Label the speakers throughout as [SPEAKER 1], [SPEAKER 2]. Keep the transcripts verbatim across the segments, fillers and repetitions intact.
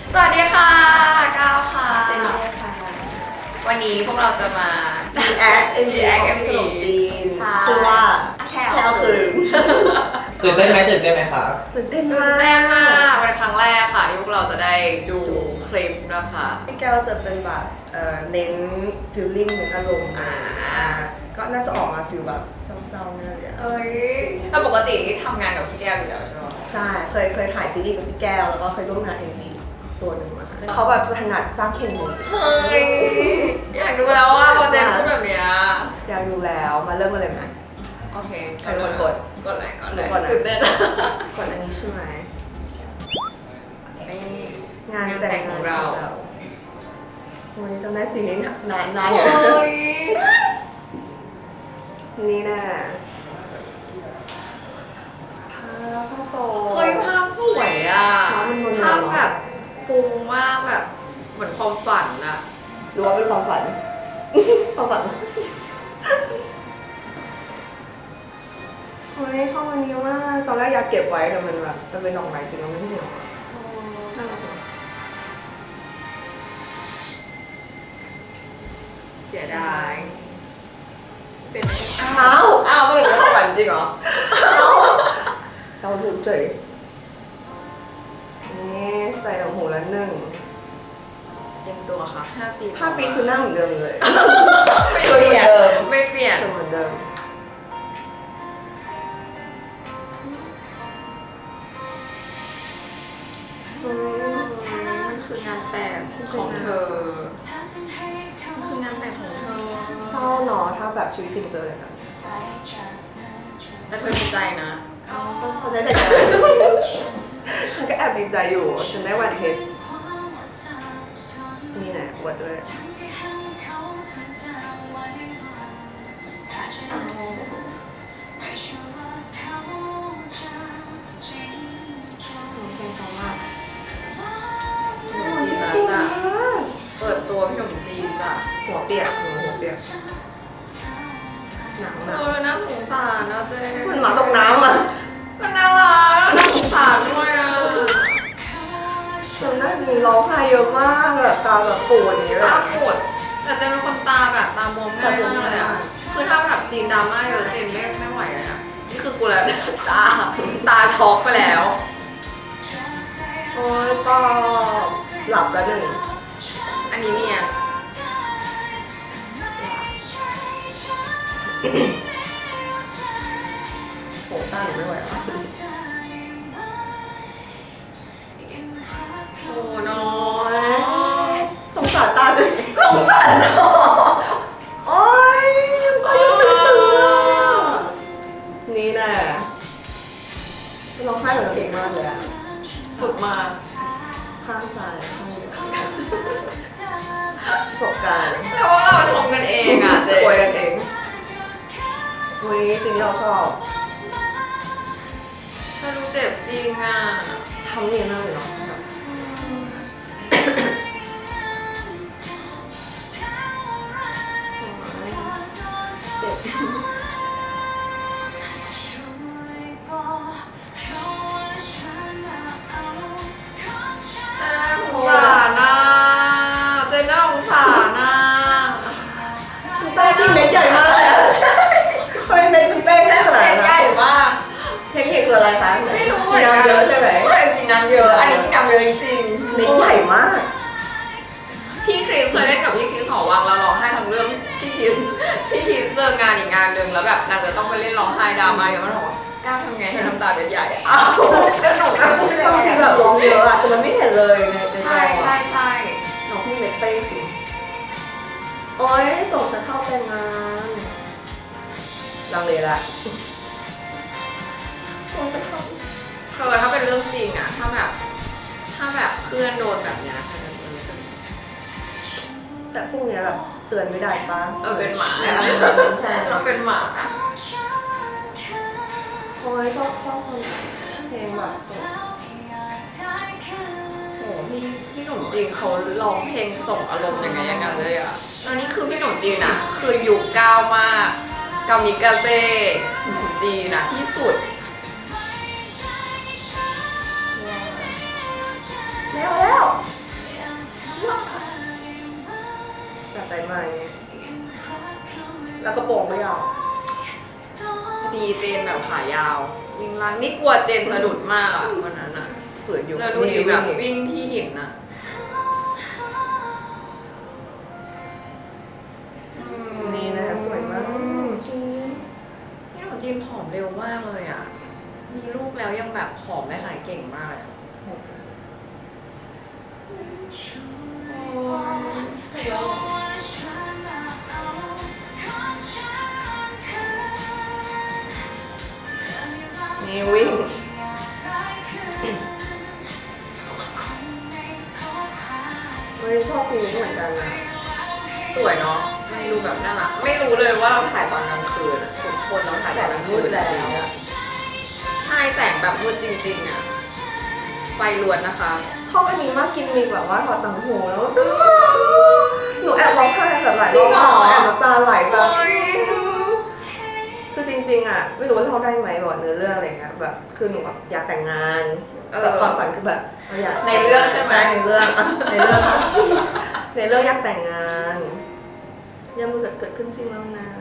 [SPEAKER 1] สวัสดีค่ะก้าวค่ะ
[SPEAKER 2] เจนนี่ค่ะ
[SPEAKER 1] วันนี้พวกเราจะมา
[SPEAKER 2] React เอ็ม จี
[SPEAKER 1] React
[SPEAKER 2] ของขนมจีน
[SPEAKER 1] ใช่
[SPEAKER 2] ชื่อว่า
[SPEAKER 1] แค่
[SPEAKER 2] แค่เอาคืน
[SPEAKER 3] ตื่นเต้นไหมตื่นเต้นไหมคะ
[SPEAKER 2] ตื่นเต้น
[SPEAKER 1] ตื่
[SPEAKER 2] มาน
[SPEAKER 1] เต้นมาก
[SPEAKER 2] ก
[SPEAKER 1] เป็นครั้งแรกค่ะที่พวกเราจะได้ดูคลิปนะคะ
[SPEAKER 2] พี่แก้วจะเป็นแบบเอ่อเน้นฟิลลิ่งเน้นอารมณ์
[SPEAKER 1] อ่า
[SPEAKER 2] ก็น่าจะออกมาฟิลแบบเศร้าๆแน่เลยอะ
[SPEAKER 1] เอ้ยแต่ปกติที่ทำงานกับพี่แก้วอยู่แล้วใช่ไหม
[SPEAKER 2] ใช่เคยเคยถ่ายซีรีส์กับพี่แก้วแล้วก็เคยร่วมงานเอ็มวีตัวหนึ่งมาเขาแบบจะถนัดสร้างเคมี
[SPEAKER 1] เฮ้ยอยากดูแล้วว่าโปรเจกต์พูดแบบเนี้ย
[SPEAKER 2] อยากดูแล้วมาเริ่มกันเลยไหม
[SPEAKER 1] โอเค
[SPEAKER 2] ใครกดกด
[SPEAKER 1] กดเลยกดเลย
[SPEAKER 2] กดนะ
[SPEAKER 1] ตื่นเต้น
[SPEAKER 2] ก่อนอันนี้ใช่ไหม
[SPEAKER 1] นี่
[SPEAKER 2] งานแต่ง
[SPEAKER 1] ของเรา
[SPEAKER 2] วันนี้จำได้สีนี้นานนาน
[SPEAKER 1] เฮ้
[SPEAKER 2] อยู่
[SPEAKER 1] ย
[SPEAKER 2] นี่น่ะพาพ่อโต
[SPEAKER 1] เฮ้ยภาพสวยอ่ะ
[SPEAKER 2] ภาพมันนวลๆ
[SPEAKER 1] ภาพแบบฟุ้งมากแบบเหมือนความฝันอะ
[SPEAKER 2] ดูว่าเป็นความฝัน ความฝันเฮ้ยชอบอันนี้มากตอนแรกอยากเก็บไว้แต่มันแบบมันเป็นดอกไม้จริงแล้วไม่เหนียวอะน่ารักอะ
[SPEAKER 1] เสียดายเป็น
[SPEAKER 2] เอ้า
[SPEAKER 1] อ้าวสรุปเป็นความฝันจริงเหรอ
[SPEAKER 2] เราถูกเฉยนี่ใส่ดอกหูละหนึ่ง
[SPEAKER 1] เตรียมตัวค่ะห้าปี
[SPEAKER 2] ห้าปีคือหน้าเหมือนเดิมเลย
[SPEAKER 1] ไม่เปลี่ยนไม่เปลี่ยน
[SPEAKER 2] สวยเหมือนเดิม
[SPEAKER 1] มันคืองานแต่งของเธอมันคืองานแต่งของเธอ
[SPEAKER 2] เศร้าเนาะถ้าแบบชีวิตจริงเจอเลยนะ
[SPEAKER 1] แต่เธอดีใจนะ
[SPEAKER 2] ฉันได้แต่ใจฉันก็แอบดีใจอยู่ ฉันได้วันเพชรนี่แหละอวดด้วยเพลงเขามาก
[SPEAKER 1] ขนมจีนนะจ๊ะเปิดตัวขนมจีนจ้ะ
[SPEAKER 2] หัวเปียกหัวหัวเปียกหนังหนัง
[SPEAKER 1] เออน่าสงสารนะเจ๊
[SPEAKER 2] มันหมาตกน้ำอ่ะ
[SPEAKER 1] มันน่ารักน่าสงสารด้วยอ่ะ
[SPEAKER 2] จำได้จริงร้องไห้เยอะมากแบบตาแบบปูดอย่างเงี้ยเลย
[SPEAKER 1] ตา
[SPEAKER 2] อะ
[SPEAKER 1] ปวดแต่เจนเป็นคนตาแบบตาบวมง่ายมากเลยอ่ะคือถ้าแบบซีนดราม่าเยอะเจนไม่ไม่ไหวเลยอ่ะนี่คือกูแล้วตาตาช็อกไปแล้ว
[SPEAKER 2] โอ้ยปอหลับแล้วหนึ่ง
[SPEAKER 1] อันนี้เนี่ย
[SPEAKER 2] โหต้าหนูไม่ไหวแล้ว
[SPEAKER 1] โอ้น้อย
[SPEAKER 2] สงสารตาด้วย
[SPEAKER 1] สงสารน้อง
[SPEAKER 2] โอ้ยตายังตื่นนี่แหละร้องไห้เหมือนเก่งมากเลยอะ
[SPEAKER 1] ฝึกมา
[SPEAKER 2] ข้างซ้ายข้างเดียวประสบการณ์
[SPEAKER 1] แล้วว่าเราชมกันเองอ่ะเจ๊
[SPEAKER 2] ป่วยกันเองวันนี้สิ่งที่เราชอบ
[SPEAKER 1] ถ้ารู้เจ็บจริงอ่ะ
[SPEAKER 2] ช้ำเนียนมากเลยเนาะแบบ เจ็บ
[SPEAKER 1] น่าสงสารนะเจนน่าสงสารนะ
[SPEAKER 2] ใช่ที่เม็ดใหญ่มากเลยอะใช่ทำไมเม็ดมันเป้งได้ขนาด
[SPEAKER 1] เจน
[SPEAKER 2] นั้น
[SPEAKER 1] ใหญ่มาก
[SPEAKER 2] เทคนิคคืออะไรคะ
[SPEAKER 1] ไม่รู้
[SPEAKER 2] กินน้ำเยอะใช่ไหม
[SPEAKER 1] ไม่กินน้ำเยอะ อันนี้กินน้ำเยอะจริงๆ
[SPEAKER 2] เม็ดใหญ่มาก
[SPEAKER 1] พี่คริสเคยเล่นกับพี่คริสหอวังแล้วร้องไห้ทั้งเรื่องพี่คริสพี่คริสเจองานอีกงานหนึ่งแล้วแบบนางจะต้องไปเล่นร้องไห้ดราม่าอย่างนั้นบอกว่าก้าวทำไงให้น้ำตาเด็ดใหญ่อะอ้าวแล้วหนูก็พูด
[SPEAKER 2] บางทีแบบร้องเยอะอะแต่มันไม่เห็นเลยในในจ
[SPEAKER 1] ใช่
[SPEAKER 2] อ
[SPEAKER 1] ใช่
[SPEAKER 2] อะ
[SPEAKER 1] ใช่
[SPEAKER 2] น้องพี่เม็ดเป้งจริง โอ๊ยส่งฉันเข้าแต่งงานลังเลละโอ๊ยไปทำ
[SPEAKER 1] เธอถ้าเป็นเรื่องจริงอะถ้าแบบถ้าแบบเพื่อนโดนแบบเนี้ยเธอจะรู้สึก
[SPEAKER 2] แต่พวกเนี้ยแบบเตือนไม่ได้ป้า
[SPEAKER 1] เออเป็นหมา
[SPEAKER 2] ใช่
[SPEAKER 1] ใช่เราเป็นหมา
[SPEAKER 2] โอ้ยชอบชอบคนเพลงแบบส่ง
[SPEAKER 1] โอ้พี่พี่หนุ่มจีนเขาร้องเพลงส่งอารมณ์ยังไงอย่างนั้นเลยอะแล้วนี่คือพี่หนุ่มจีนอะคือยุคก้าวมากกามิกาเซ่หนุ่มจีนอะที่สุด
[SPEAKER 2] แล้วแล้ว
[SPEAKER 1] เ
[SPEAKER 2] ใจมากเนี่ยแล้วกระโปรงไม่ยาว
[SPEAKER 1] ดีเจนแบบขายาววิ่งลันนี่กลัวเจนสะดุดมากอะวันนั้นอะ
[SPEAKER 2] ฝืนอยู่
[SPEAKER 1] แล้วดูดิแบบวิ่งที่หินอะอืม
[SPEAKER 2] นี่นะคะสวยมากจริง
[SPEAKER 1] พี่หนุ่มจีนผอมเร็วมากเลยอะมีลูกแล้วยังแบบผอมได้ขายเก่งมากเลยอะ
[SPEAKER 2] นี่วิ่งเฮ้ยชอบจริงเหมือนกันนะ
[SPEAKER 1] สวยเนาะไม่รู้แบบน่ารักไม่รู้เลยว่าเราถ่ายตอนกลางคืนอะทุกคนเราถ่ายตอนกลางคืนจริงๆอะใช่แสงแบบมืดจริงๆอะไฟล้วนนะคะ
[SPEAKER 2] ชอบอันนี้มากกินมีแบบว่าถอดต่างหูแล้วหนูแอบร้องไห้แบบหลาย
[SPEAKER 1] จริ
[SPEAKER 2] รง อบ
[SPEAKER 1] เหรอ
[SPEAKER 2] แอบน้ำตาไหลแบบ
[SPEAKER 1] โอ๊ย
[SPEAKER 2] คือจริงๆอ่ะไม่รู้ว่าเล่าได้ไหมบอกเนื้อเรื่องอะไรเงี้ยแบบคือหนูแบบอยากแต่งงานแบบความฝันคือแบบเราอยาก
[SPEAKER 1] ในเรื่องใช่ไหม
[SPEAKER 2] ในเรื่องอ่ะในเรื่องในเรื่องอยากแต่งงานยังมันเกิดเกิดขึ้นจริงแล้วนะ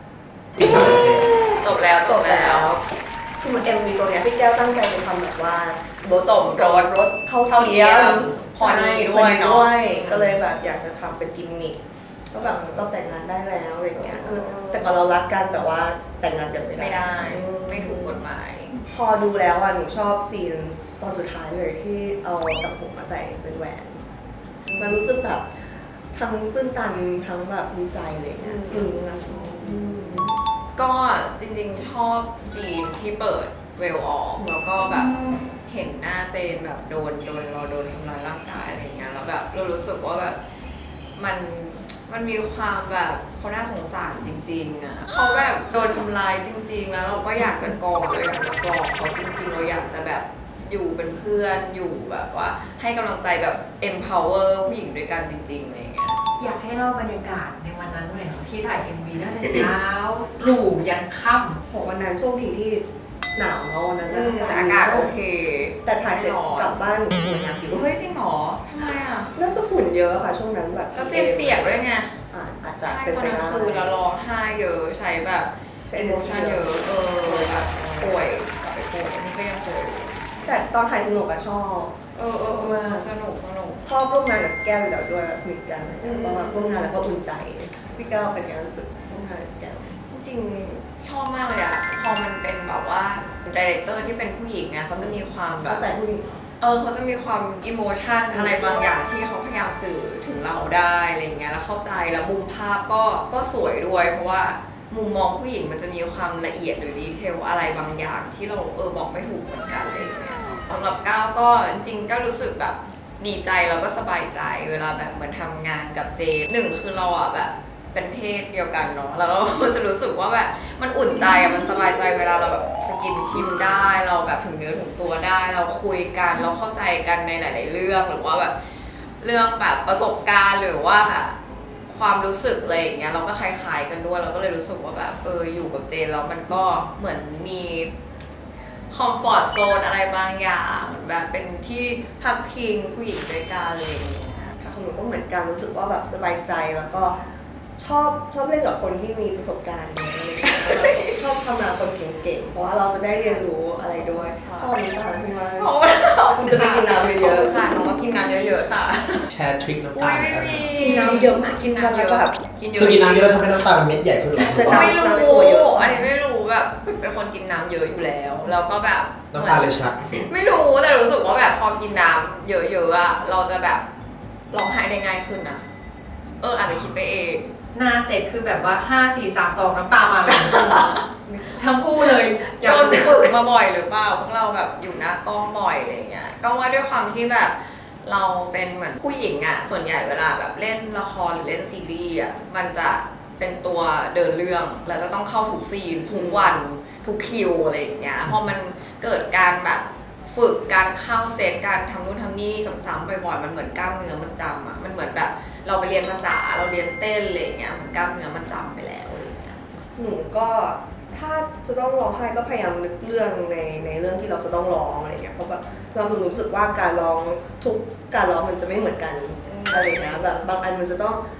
[SPEAKER 1] จบแล้วจ
[SPEAKER 2] จ
[SPEAKER 1] บบ แล้
[SPEAKER 2] แล้ว วคือมันเอ็มวีตัวเนี้ยพี่แก้วตั้งใจจะทำแบบว่า
[SPEAKER 1] รถสมรส
[SPEAKER 2] รถเท่า
[SPEAKER 1] เท่าเที
[SPEAKER 2] เที
[SPEAKER 1] ย
[SPEAKER 2] ย
[SPEAKER 1] ม
[SPEAKER 2] ม
[SPEAKER 1] พอดี
[SPEAKER 2] ใช่
[SPEAKER 1] ด้วยเนอะ
[SPEAKER 2] พอด้วยก็เลยแบบอยากจะทำเป็นกิมมิคก็แบบเราแต่งงานได้แล้วอะไรเงี้ยคือแต่ก่อนเรารักกันแต่ว่าแต่งงานกันไม่ได้
[SPEAKER 1] ไม่ได้
[SPEAKER 2] อืม
[SPEAKER 1] ไม่ถูกกฎหมาย
[SPEAKER 2] พอดูแล้วอ่ะหนูชอบซีนตอนสุดท้ายเลยที่เอาต่างหูมาใส่เป็นแหวน มันรู้สึกแบบทั้งตื้นตันทั้งแบบดีใจอะไรเงี้ยซึ้งอะชอบอืม
[SPEAKER 1] ก็จริงๆชอบซีนที่เปิดเวลออกแล้วก็แบบเห็นหน้าเจนแบบโดนโดนเราโดนทำร้ายร่างกายอะไรเงี้ยแล้วแบบเรารู้สึกว่าแบบมันมันมีความแบบเขาน่าสงสารจริงๆอ่ะเขาแบบโดนทำร้ายจริง ๆ แล้วเราก็อยากจะกอดเราอยากจะปลอบเขาจริงๆเราอยากจะแบบอยู่เป็นเพื่อนอยู่แบบว่าให้กำลังใจแบบ empower ผู้หญิงด้วยกันจริงๆอะไรเงี้ย
[SPEAKER 4] อยากให้เล่าบรรยากาศในวันนั้นหน่อยค่ะที่ถ่าย เอ็ม วี ตั้งแต่เช้าตรู่ยันค่ำ
[SPEAKER 2] โหวันนั้นโชคดีที่หนาวเนาะวันนั้น
[SPEAKER 1] อืมแต่อากาศโอเค
[SPEAKER 2] แต่ถ่ายเสร็จกลับบ้านหนูป่วยหนักอยู่
[SPEAKER 1] เฮ้ยจริงเหรอทำไมอ่ะ
[SPEAKER 2] น่าจะฝุ่นเยอะค่ะช่วงนั้นแบบ
[SPEAKER 1] แล้วเจนเปียกด้วยไง
[SPEAKER 2] อ่าอาจจะ
[SPEAKER 1] ใช่
[SPEAKER 2] เป็น
[SPEAKER 1] พอ
[SPEAKER 2] ไป
[SPEAKER 1] กลาง
[SPEAKER 2] ได้
[SPEAKER 1] คืนแล้วร้องไห้เยอะใช้แบบ
[SPEAKER 2] ใช้
[SPEAKER 1] เอ
[SPEAKER 2] energy
[SPEAKER 1] โมชั่นเยอะเออแบบป่วยกลับไปป่วยอันนี้ก็ยังป่วยอยู่
[SPEAKER 2] แต่ตอนถ่ายสนุกอะชอบ
[SPEAKER 1] เออเออเออสนุกสนุก
[SPEAKER 2] ชอบร่วมงานกับแก้วอยู่แล้วด้วยสนิทกัน
[SPEAKER 1] อืม
[SPEAKER 2] เพราะว่าร่วมงานแล้วก็อุ่นใจพี่แก้วเป็นไงรู้สึกร่วมงานกับแก้ว
[SPEAKER 1] จริงๆชอบมากเลยอ่ะพอมันเป็นแบบว่าดีเรคเตอร์ที่เป็นผู้หญิงเนี่ยเขาจะมีความแบ
[SPEAKER 2] เข้า
[SPEAKER 1] บ
[SPEAKER 2] ใจผู้หญิง
[SPEAKER 1] เออเขาจะมีความอิโมชันอะไรบางอย่างที่เขาพยายามสื่อถึงเราได้อะไรเงี้ยแล้วเข้าใจแล้วมุมภาพก็ก็สวยด้วยเพราะว่ามุมมองผู้หญิงมันจะมีความละเอียดหรือดีเทลอะไรบางอย่างที่เราเออบอกไม่ถูกเหมือนกันอะไรเงี้ยสำหรับก้าวก็จริงๆก็รู้สึกแบบดีใจแล้วก็สบายใจเวลาแบบเหมือนทำงานกับเจนหนึ่งคือเราอ่ะแบบเป็นเพศเดียวกันเนาะแล้วเราจะรู้สึกว่าแบบมันอุ่นใจอ่ะมันสบายใจเวลาเราแบบสกินชิมได้เราแบบถึงเนื้อถึงตัวได้ เราคุยกันเราเข้าใจกันในหลาย ๆ เรื่องหรือว่าแบบเรื่องแบบประสบการณ์หรือว่าความรู้สึกอะไรอย่างเงี้ยเราก็คล้ายๆกันด้วยเราก็เลยรู้สึกว่าแบบเอออยู่กับเจนแล้วมันก็เหมือนมีคอมฟอร์ตโซนอะไรบางอย่างแบบเป็นที่พักพิงผู้หญิงด้วยกันอะไรอย่างเงี้ย
[SPEAKER 2] ค่ะของหนูก็เหมือนกันรู้สึกว่าแบบสบายใจแล้วก็ชอบชอบเล่นกับคนที่มีประสบการณ์อะไรอย่างเงี้ยชอบทำงานคนเก่งๆเพราะว่าเราจะได้เรียนรู้อะไรด้วยชอบนี้ตาพี่มาก
[SPEAKER 1] เพราะว่า
[SPEAKER 2] คุณจะไปกินน้ำเยอะๆ
[SPEAKER 1] ค่ะน้องก็กินน้ำเยอะๆค่ะ
[SPEAKER 3] แชร์ทริคน้ำ
[SPEAKER 1] อุ้
[SPEAKER 3] ตาย ล
[SPEAKER 1] ไม่
[SPEAKER 3] นะครับ
[SPEAKER 1] มี
[SPEAKER 2] กินน้ำเยอะมาก
[SPEAKER 1] กินน้ำเยอะ
[SPEAKER 2] แบบ
[SPEAKER 1] กินเยอะ
[SPEAKER 3] คือกินน้ำเยอะแล้วทำให้น้ำตาลมันเม็ดใหญ่ขึ้นหรอ
[SPEAKER 2] จะน้ำ
[SPEAKER 1] ไม่รู้
[SPEAKER 2] น้ำในตัวเยอะ
[SPEAKER 1] อันนี้ไม่รู้แบบเป็นคนกินน้ำเยอะอยู่แล้วแล้วก็แบบ
[SPEAKER 3] น้ำตาลเลยชัด
[SPEAKER 1] ไม่รู้แต่รู้สึกว่าแบบพอกินน้ำเยอะๆอะเราจะแบบร้องไห้ได้ง่ายขึ้นนะเอออาจจะคิดไปเอง
[SPEAKER 4] หน้าเสร็จคือแบบว่าห้า สี่ สาม สองน้ำตามาเลยทั้งคู่เลยอ
[SPEAKER 1] โด
[SPEAKER 4] ยาก
[SPEAKER 1] นฝึกมาบ่อยหรือเปล่าพวกเราแบบอยู่หน้ากล้องบ่อยอะไรเงี้ยก็ว่าด้วยความที่แบบเราเป็นเหมือนผู้หญิงอะส่วนใหญ่เวลาแบบเล่นละครหรือเล่นซีรีส์อะมันจะเป็นตัวเดินเรื่องแล้วจะต้องเข้าทุกซีนทุกวันทุกคิวอะไรอย่างเงี้ยพอมันเกิดการแบบฝึกการเข้าเซตการทำนู่นทำนี่ซ้ำๆบ่อยๆมันเหมือนกล้ามเนื้อมันจำอะมันเหมือนแบบเราไปเรียนภาษาเราเรียนเต้นอะไรอย่างเงี้ยมันกล้ามเนื้อมันจำไปแล้วอะไรอย่างเงี้ย
[SPEAKER 2] หนูก็ถ้าจะต้องร้องไห้ก็พยายามนึกเรื่องในในเรื่องที่เราจะต้องร้องอะไรเงี้ยเพราะแบบเราหนูรู้สึกว่าการร้องทุกการร้องมันจะไม่เหมือนกันอะไรเงี้ยแบบบางอันมันจะต้อง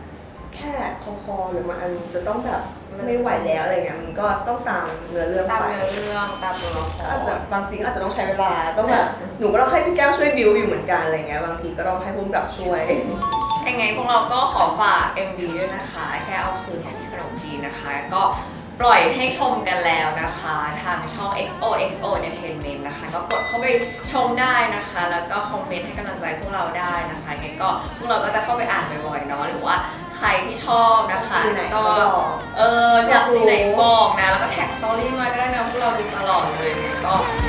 [SPEAKER 2] แค่คอคอหรือมันอันจะต้องแบบไม่ไหวแล้วอะไรเงี้ยมันก็ต้องตามเนื้อเรื่อง
[SPEAKER 1] ตาม
[SPEAKER 2] ไป
[SPEAKER 1] เนื้อเรื่องตามตัวละค
[SPEAKER 2] อาจจะ
[SPEAKER 1] ร
[SPEAKER 2] บางซีนก็อาจจะต้องใช้เวลาต้องแบบหนูก็ต้องให้พี่แก้วช่วยบิวอยู่เหมือนกันอะไรเงี้ยบางทีก็ต้องให้พุ่มกับช่วย
[SPEAKER 1] ยังไงพวกเราก็ขอฝาก เอ็ม วี ด้วยนะคะ แค่เอาคืนของพี่ขนมจีนนะคะ ก็ปล่อยให้ชมกันแล้วนะคะ ทางช่อง เอ็กซ์ โอ เอ็กซ์ โอ Entertainment นะคะ ก็กดเข้าไปชมได้นะคะ แล้วก็คอมเมนต์ให้กำลังใจพวกเราได้นะคะยังไงก็พวกเราก็จะเข้าไปอ่านบ่อยๆเนาะหรือว่าใครที่ชอบนะคะ
[SPEAKER 2] ซีนไหนก็
[SPEAKER 1] ก็
[SPEAKER 2] บอก
[SPEAKER 1] เอออยากซีนไหนบอกนะ แล้วก็แท็กสตอรี่มาก็ได้นะพวกเราดูตลอดเลยยังไงก็